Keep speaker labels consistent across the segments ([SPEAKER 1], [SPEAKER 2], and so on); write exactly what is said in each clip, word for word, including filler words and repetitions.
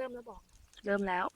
[SPEAKER 1] ริ่มแล้วบอก
[SPEAKER 2] เริ่มแล้ว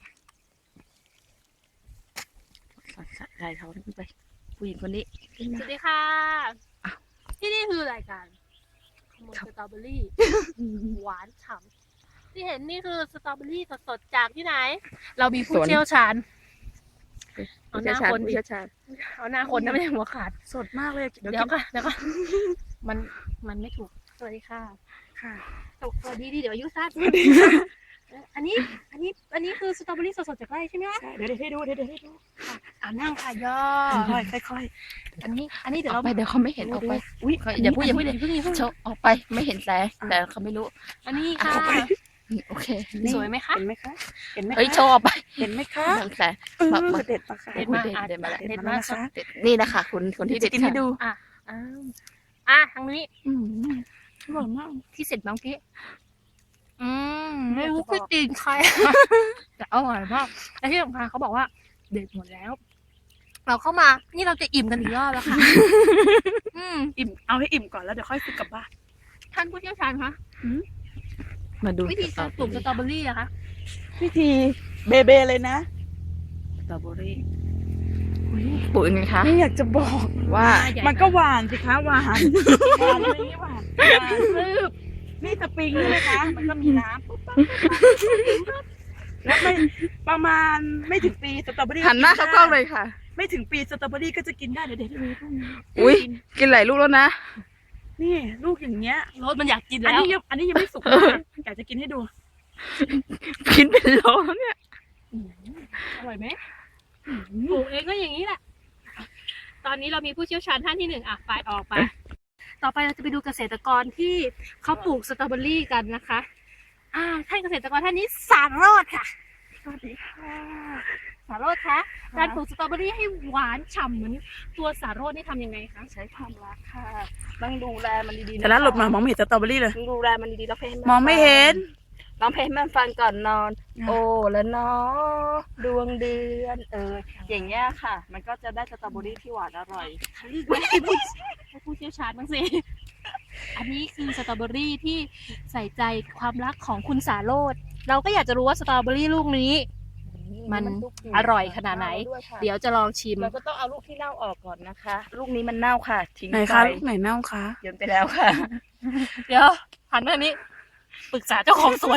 [SPEAKER 2] ถ่ายเขาไปผู้หญิงคนนี้
[SPEAKER 1] สวัสดีค่ะที่นี่คือรายการขโมยสตรอเบอรี่หวานฉ่ำที่เห็นนี่คือสตรอเบอรี่สดๆจากที่ไหนเรามีผู้เชี่ยวชาญเอาหน้าคนดิเอาหน้าคนนะไม่ใช่หัวขาด
[SPEAKER 2] สดมากเลย
[SPEAKER 1] เดี๋ยวก็เดี๋ยวก็มันมันไม่ถูกสวัสดีค่ะ
[SPEAKER 2] ค่ะ
[SPEAKER 1] สวัสดีดีเดี๋ยวอายุสั้นอันนี้อันนี้อันนี้คือสตรอเบอรี่สดๆจากไร่ใช่ไหมคะ
[SPEAKER 2] เดี๋ยวเดี๋ยวให้ดูเดี๋ยวเดี๋ยวให้ดู
[SPEAKER 1] อ่านั่งค่ะย่อ
[SPEAKER 2] ค่อยค่อย
[SPEAKER 1] อันนี้อันนี้เดี๋ยวเรา
[SPEAKER 2] ไปเดี๋ยวเขาไม่เห็นออกไปอุ้ยอย่าพูดอย่าพูดอย่าพูดโชว์ออกไปไม่เห็นแต่แต่เขาไม่รู้
[SPEAKER 1] อันนี้ค่ะ
[SPEAKER 2] โอเค
[SPEAKER 1] สวยไหมคะ
[SPEAKER 2] เห็นไหมคะเห็นไหมเฮ้ยโชว์ออกไป
[SPEAKER 1] เห็นไหมคะ
[SPEAKER 2] แต่
[SPEAKER 1] เด็ดมาค่ะเด็ดมา
[SPEAKER 2] เด็ดมา
[SPEAKER 1] เด็ดมาค่ะ
[SPEAKER 2] นี่นะคะคุณคนที่เด็ด
[SPEAKER 1] ให้ดูอ่ะอ่ะทางนี้
[SPEAKER 2] อืมอร่อยมาก
[SPEAKER 1] ที่เสร็จบางทีอืมไม่รู้คือตีนใครแต่อร่อยมากและที่สำคัญเขาบอกว่าเด็ดหมดแล้วเราเข้ามานี่เราจะอิ่มกันอีกรอบแล้วค่ะ
[SPEAKER 2] อืมอิ่มเอาให้อิ่มก่อนแล้วเดี๋ยวค่อยซื้อกลับบ้าน
[SPEAKER 1] ท่านผู้เชี่ยวชาญคะ
[SPEAKER 2] มาดู
[SPEAKER 1] วิธีการปลูกสตรอเบอรี่อะคะ
[SPEAKER 2] วิธีเบเบเลยนะสตรอเบอรี่ปลูกยังไงคะ
[SPEAKER 1] ไม่อยากจะบอก
[SPEAKER 2] ว่ามันก็หวานสิคะหวานหวานเลยนี่หวานหวานซึบนี่สปริงเลยนะคะมันก็มีน้ำปุ๊บปั๊บแล้วไม่ประมาณไม่ถึงปีสตรอเบอรี่หันหน้าเข้ากล้องเลยค่ะไม่ถึงปีสตรอเบอรี่ก็จะกินได้เดี๋ยวเด็กให้ดูอุ้ยกินหลายลูกแล้วนะนี่ลูกอย่างเงี้ย
[SPEAKER 1] รสมันอยากกินแล้ว
[SPEAKER 2] อันนี้ยังอันนี้ยังไม่สุกอยากจะกินให้ดูกินเป็นโลแล้วเนี่ย
[SPEAKER 1] อร่อยไหมปลูกเองก็อย่างนี้แหละตอนนี้เรามีผู้เชี่ยวชาญท่านที่หนึ่งอ่ะไปออกไปต่อไปเราจะไปดูเกษตรกรที่เขาปลูกสตรอเบอรี่กันนะคะอ่าท่านเกษตรกรท่านนี้สารโรจน์ค่ะ
[SPEAKER 2] สวัสดีค่ะ
[SPEAKER 1] สารโรจน์คะการปลูกสตรอเบอรี่ให้หวานฉ่ำเหมือนตัวสารโรจน์นี่ทำยังไงคะ
[SPEAKER 2] ใช้ความรักค่ะต้องดูแลมันดีๆ
[SPEAKER 1] แต่นั้นหลบมามองไม่เห็นสตรอเบอรี่เลย
[SPEAKER 2] ดูแลมันดีๆแล้วเพลง
[SPEAKER 1] มองไม่เห็น
[SPEAKER 2] ร้องเพลงมันฟังก่อนนอนโอ้แล้วเนาะดวงเดือนเอออย่างเงี้ยค่ะมันก็จะได้สตรอเบอรี่ที่หวานอร่อย
[SPEAKER 1] ให้ผู้เชี่ยวชาญบ้างสิอันนี้คือสตรอเบอรี่ที่ใส่ใจความรักของคุณสารโรจน์เราก็อยากจะรู้ว่าสตรอเบอรี่ลูกนี้มันอร่อยขนาดไหนเดี๋ยวจะลองชิม
[SPEAKER 2] เราก็ต้องเอาลูกที่เน่าออกก่อนนะคะลูกนี้มันเน่าค่ะทิ้งไป
[SPEAKER 1] ไหนคะลูกไหนเน่าคะ
[SPEAKER 2] โยนไปแล้วค่ะ
[SPEAKER 1] เดี๋ยวหันมานี้ปรึกษาเจ้าของสวน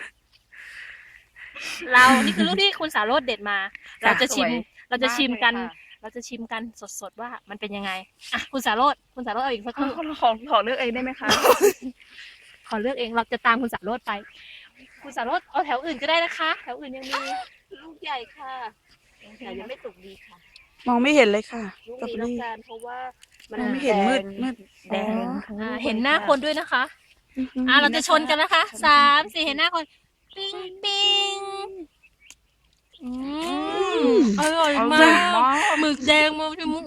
[SPEAKER 1] เรานี่คือลูกที่คุณสารโรจน์เด็ดมาเราจะชิมเราจะชิมกันเราจะชิมกันสดๆว่ามันเป็นยังไงอ่ะคุณสารโรจน์คุณสารโรจน์เอาอีกสักครู่
[SPEAKER 2] ขอขอเลือกเองได้ไหมคะ
[SPEAKER 1] ขอเลือกเองเราจะตามคุณสารโรจน์ไปคุณสารโรจน์เอาแถวอื่นก็ได้นะคะแถวอื่นยังมี
[SPEAKER 2] ลูกใหญ่ค่ะแต่ยังไม่สุกดีค่ะ
[SPEAKER 1] มองไม่เห็นเลยค่ะ
[SPEAKER 2] ลูกนี้ต้องการเพราะว่า
[SPEAKER 1] มันไม่เห็นมืดมืดแดงเห็นหน้าคนด้วยนะคะอ่าเราจะชนกันนะคะสามสี่เห็นหน้าคนปิ้งปิ้งอร่อยมากหมึกแดงมาที่มุก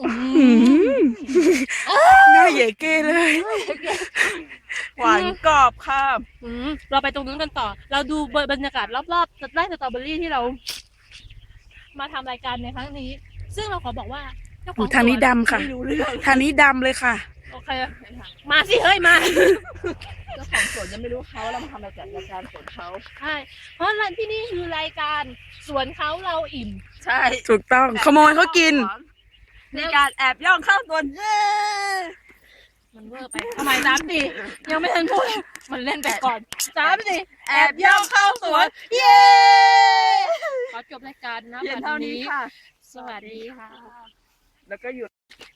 [SPEAKER 2] หน้าใหญ่เก้เลยหวานกรอบค่ะ
[SPEAKER 1] เราไปตรงนู้นกันต่อเราดูบรรยากาศรอบๆไร่สตรอเบอรี่ที่เรามาทำรายการในครั้งนี้ซึ่งเราขอบอกว่า
[SPEAKER 2] เจ้าของทางนี้ดำค่ะทางนี้ดำเลยค่ะ
[SPEAKER 1] โอเคมาสิเฮ้ยมา
[SPEAKER 2] เจ้าของสวนยังไม่รู้เขาเรามาทำรายการรายการสวนเขา
[SPEAKER 1] ใช่เพราะร้านที่นี่คือรายการสวนเขาเราอิ่ม
[SPEAKER 2] ใช่ถูกต้องขโมยเขากินในการแอบย่องเข้าสวน
[SPEAKER 1] มันเวอร์ไปทำไมสามสี่ยังไม่ทันพูดมันเล่นไปก่อนสามสี่
[SPEAKER 2] แอบย่องเข้าสวนเย้
[SPEAKER 1] ขอจบรายการนะ
[SPEAKER 2] วันนี้ค่ะ
[SPEAKER 1] สวัสดีค่ะ
[SPEAKER 2] แล้วก็หยุด